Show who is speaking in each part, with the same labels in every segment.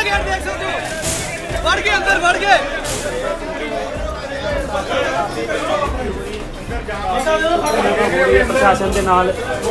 Speaker 1: गया देख सकते हो बढ़ गए अंदर बढ़ गए
Speaker 2: प्रशासन के नाल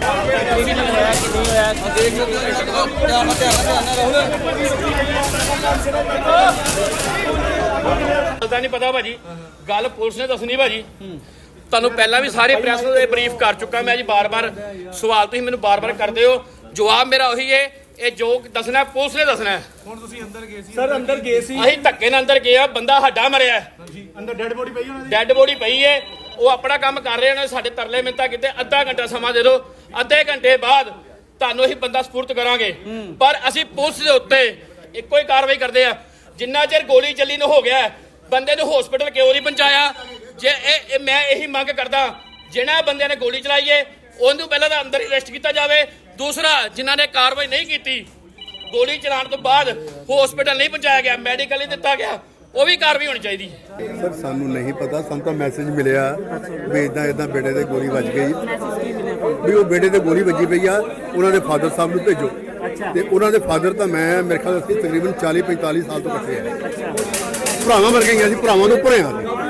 Speaker 3: पता नहीं पता भाजी गल पुलिस ने दसनी भाजी ਤੁਹਾਨੂੰ ਪਹਿਲਾਂ ਵੀ ਸਾਰੇ ਪ੍ਰੈਸ ਨੂੰ ਬਰੀਫ ਕਰ ਚੁੱਕਾ ਮੈਂ ਜੀ ਬਾਰ-ਬਾਰ ਸਵਾਲ ਤੁਸੀਂ ਮੈਨੂੰ ਬਾਰ-ਬਾਰ ਕਰਦੇ ਹੋ ਜਵਾਬ ਮੇਰਾ ਉਹੀ ਹੈ ਇਹ ਜੋ ਦੱਸਣਾ ਪੁਲਿਸ ਨੇ ਦੱਸਣਾ
Speaker 4: ਹੁਣ ਤੁਸੀਂ ਅੰਦਰ ਗਏ ਸੀ
Speaker 1: सर अंदर गए सी
Speaker 3: ਅਸੀਂ ਧੱਕੇ ਨਾਲ ਅੰਦਰ ਗਏ ਆ ਬੰਦਾ ਹੱਡਾ ਮਰਿਆ
Speaker 4: ਜੀ ਅੰਦਰ ਡੈੱਡ ਬੋਡੀ ਪਈ ਉਹਨਾਂ ਦੀ
Speaker 3: ਡੈੱਡ ਬੋਡੀ ਪਈ ਹੈ ਉਹ ਆਪਣਾ ਕੰਮ ਕਰ ਰਹੇ ਨੇ ਸਾਡੇ ਤਰਲੇ ਮਿੰਤਾ ਕਿਤੇ ਅੱਧਾ ਘੰਟਾ ਸਮਾਂ ਦੇ ਦਿਓ ਅੱਧੇ ਘੰਟੇ ਬਾਅਦ ਤੁਹਾਨੂੰ ਅਸੀਂ ਬੰਦਾ ਸਪੁਰਦ ਕਰਾਂਗੇ ਪਰ ਅਸੀਂ ਪੁਲਿਸ ਦੇ ਉੱਤੇ ਇੱਕੋ ਹੀ ਕਾਰਵਾਈ ਕਰਦੇ ਆ ਜਿੰਨਾ ਚਿਰ ਗੋਲੀ ਚੱਲੀ ਨੂੰ ਹੋ ਗਿਆ ਬੰਦੇ ਨੂੰ ਹਸਪੀਟਲ ਕਿਉਂ ਨਹੀਂ ਪਹੁੰਚਾਇਆ ਜੇ ਇਹ ਮੈਂ ਇਹੀ ਮੰਗ ਕਰਦਾ ਜਿਹਨਾਂ ਬੰਦਿਆਂ ਨੇ ਗੋਲੀ ਚਲਾਈ ਏ ਉਹਨੂੰ ਪਹਿਲਾਂ ਤਾਂ ਅੰਦਰ ਹੀ ਅਰੈਸਟ ਕੀਤਾ ਜਾਵੇ ਦੂਸਰਾ ਜਿਨ੍ਹਾਂ ਨੇ ਕਾਰਵਾਈ ਨਹੀਂ ਕੀਤੀ ਗੋਲੀ ਚਲਾਉਣ ਤੋਂ ਬਾਅਦ ਹਸਪੀਟਲ ਨਹੀਂ ਪਹੁੰਚਾਇਆ ਗਿਆ ਮੈਡੀਕਲ ਨਹੀਂ ਦਿੱਤਾ ਗਿਆ ਉਹ ਵੀ ਕਾਰਵਾਈ ਹੋਣੀ ਚਾਹੀਦੀ
Speaker 5: ਸਰ ਸਾਨੂੰ ਨਹੀਂ ਪਤਾ ਸਾਨੂੰ ਤਾਂ ਮੈਸੇਜ ਮਿਲਿਆ ਵੀ ਇਦਾਂ ਬੇਟੇ ਦੇ ਗੋਲੀ ਵੱਜ ਗਈ ਵੀ ਉਹ ਬੇਟੇ ਤੇ ਗੋਲੀ ਵੱਜੀ ਪਈ ਆ ਉਹਨਾਂ ਦੇ ਫਾਦਰ ਸਾਹਿਬ ਨੂੰ ਭੇਜੋ ਤੇ ਉਹਨਾਂ ਦੇ ਫਾਦਰ ਤਾਂ ਮੈਂ ਮੇਰੇ ਖਿਆਲ ਅਸੀਂ ਤਕਰੀਬਨ 40-45 ਸਾਲ ਤੋਂ ਇਕੱਠੇ ਆ ਭਰਾਵਾਂ ਵਰਗੇ ਅਸੀਂ ਭਰਾਵਾਂ ਤੋਂ ਭਰੇ ਆ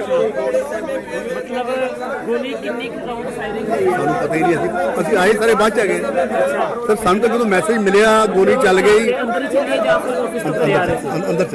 Speaker 2: मतलब गोली कितनी राउंड फायरिंग हुई
Speaker 5: ਸਾਨੂੰ ਪਤਾ ਹੀ ਨਹੀਂ ਅਸੀਂ ਆਏ ਸਾਰੇ ਬਾਅਦ ਚ ਆ ਗਏ ਸਰ ਸਾਨੂੰ ਤਾਂ ਜਦੋਂ ਮੈਸੇਜ ਮਿਲਿਆ ਗੋਲੀ ਚੱਲ ਗਈ
Speaker 2: अंदर ही चले जा फिर ऑफिस तक आ रहे थे
Speaker 5: ਅੰਦਰ